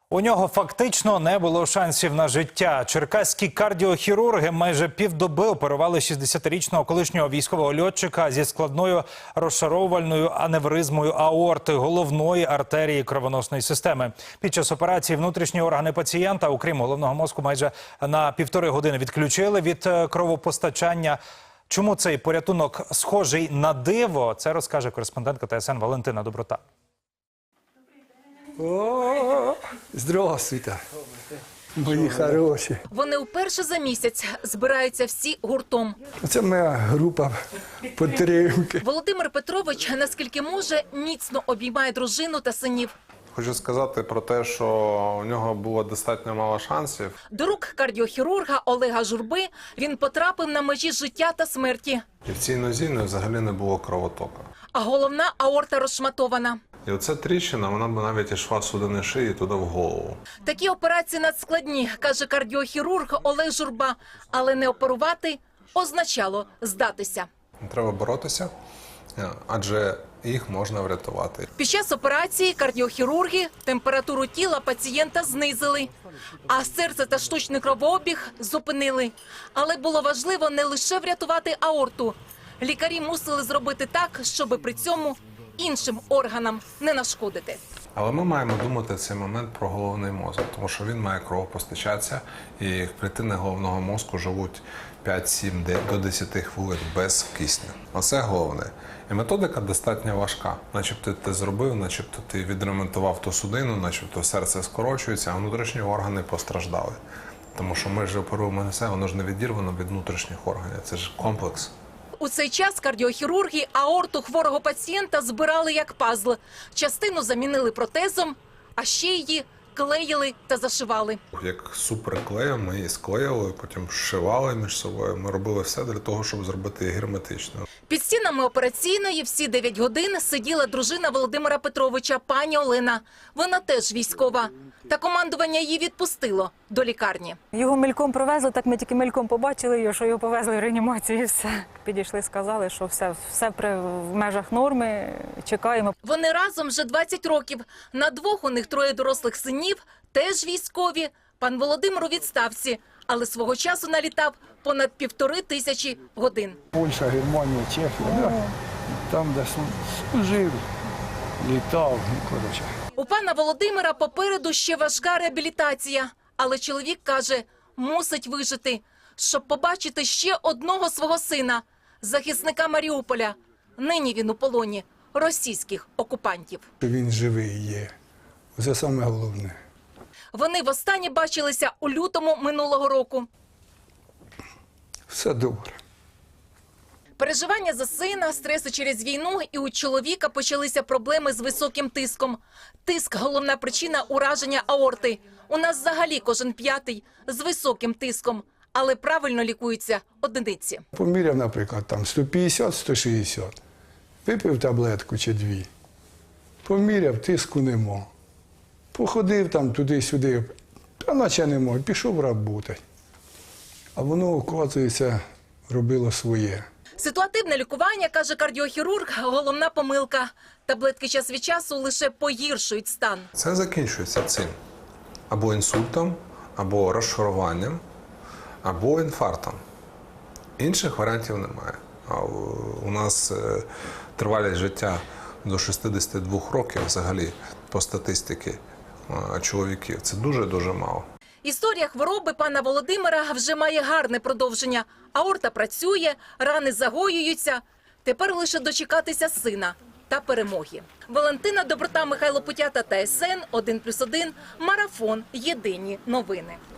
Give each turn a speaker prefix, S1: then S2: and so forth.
S1: У нього фактично не було шансів на життя. Черкаські кардіохірурги майже півдоби оперували 60-річного колишнього військового льотчика зі складною розшаровувальною аневризмою аорти, головної артерії кровоносної системи. Під час операції внутрішні органи пацієнта, окрім головного мозку, майже на 1,5 години відключили від кровопостачання. Чому цей порятунок схожий на диво, це розкаже кореспондентка ТСН Валентина Доброта.
S2: О, здравствуйте, мої хороші.
S3: Вони вперше за місяць збираються всі гуртом.
S2: Це моя група підтримки.
S3: Володимир Петрович, наскільки може, міцно обіймає дружину та синів.
S4: Хочу сказати про те, що у нього було достатньо мало шансів.
S3: До рук кардіохірурга Олега Журби він потрапив на межі життя та смерті.
S4: І в цій нозі взагалі не було кровотоку.
S3: А головна аорта розшматована.
S4: І оця тріщина, вона б навіть ішла судини шиї туди в голову.
S3: Такі операції надскладні, каже кардіохірург Олег Журба. Але не оперувати означало здатися.
S4: Треба боротися, адже їх можна врятувати.
S3: Під час операції кардіохірурги температуру тіла пацієнта знизили, а серце та штучний кровообіг зупинили. Але було важливо не лише врятувати аорту. Лікарі мусили зробити так, щоб при цьому іншим органам не нашкодити.
S4: Але ми маємо думати в цей момент про головний мозок, тому що він має кровопостачатися, і клітини головного мозку живуть 5-7 до 10 хвилин без кисню. Оце головне. І методика достатньо важка. Начебто ти зробив, начебто ти відремонтував ту судину, начебто серце скорочується, а внутрішні органи постраждали. Тому що ми ж оперуємо не все, воно ж не відірвано від внутрішніх органів. Це ж комплекс.
S3: У цей час кардіохірурги аорту хворого пацієнта збирали як пазл. Частину замінили протезом, а ще її клеїли та зашивали.
S4: Як суперклеєм ми її склеїли, потім зшивали між собою. Ми робили все для того, щоб зробити її герметичною.
S3: Під стінами операційної всі 9 годин сиділа дружина Володимира Петровича, пані Олена. Вона теж військова. Та командування її відпустило до лікарні.
S5: Його мельком провезли, так ми тільки мельком побачили його, що його повезли в реанімацію і все. Підійшли, сказали, що все в межах норми, чекаємо.
S3: Вони разом вже 20 років. На двох у них 3 дорослих синів, теж військові. Пан Володимир у відставці, але свого часу налітав понад 1500 годин.
S2: Польща, Германія, Чехія, да? Там, де служив, літав, коротше.
S3: У пана Володимира попереду ще важка реабілітація. Але чоловік каже, мусить вижити, щоб побачити ще одного свого сина, захисника Маріуполя. Нині він у полоні російських окупантів.
S2: Він живий є. Це саме головне.
S3: Вони востаннє бачилися у лютому минулого року.
S2: Все добре.
S3: Переживання за сина, стреси через війну, і у чоловіка почалися проблеми з високим тиском. Тиск – головна причина ураження аорти. У нас взагалі кожен 5-й з високим тиском, але правильно лікуються одиниці.
S2: Поміряв, наприклад, там 150-160. Випив таблетку чи 2. Поміряв, тиску нема. Походив там туди-сюди, та наче нема, пішов працювати. А воно, оказується, робило своє.
S3: Ситуативне лікування, каже кардіохірург, головна помилка. Таблетки час від часу лише погіршують стан.
S4: Це закінчується цим. Або інсультом, або розшаруванням, або інфарктом. Інших варіантів немає. А у нас тривалість життя до 62 років взагалі по статистиці чоловіків. Це дуже-дуже мало.
S3: Історія хвороби пана Володимира вже має гарне продовження. Аорта працює, рани загоюються. Тепер лише дочекатися сина та перемоги. Валентина Доброта, Михайло Путята, ТСН 1+1, Марафон. Єдині новини.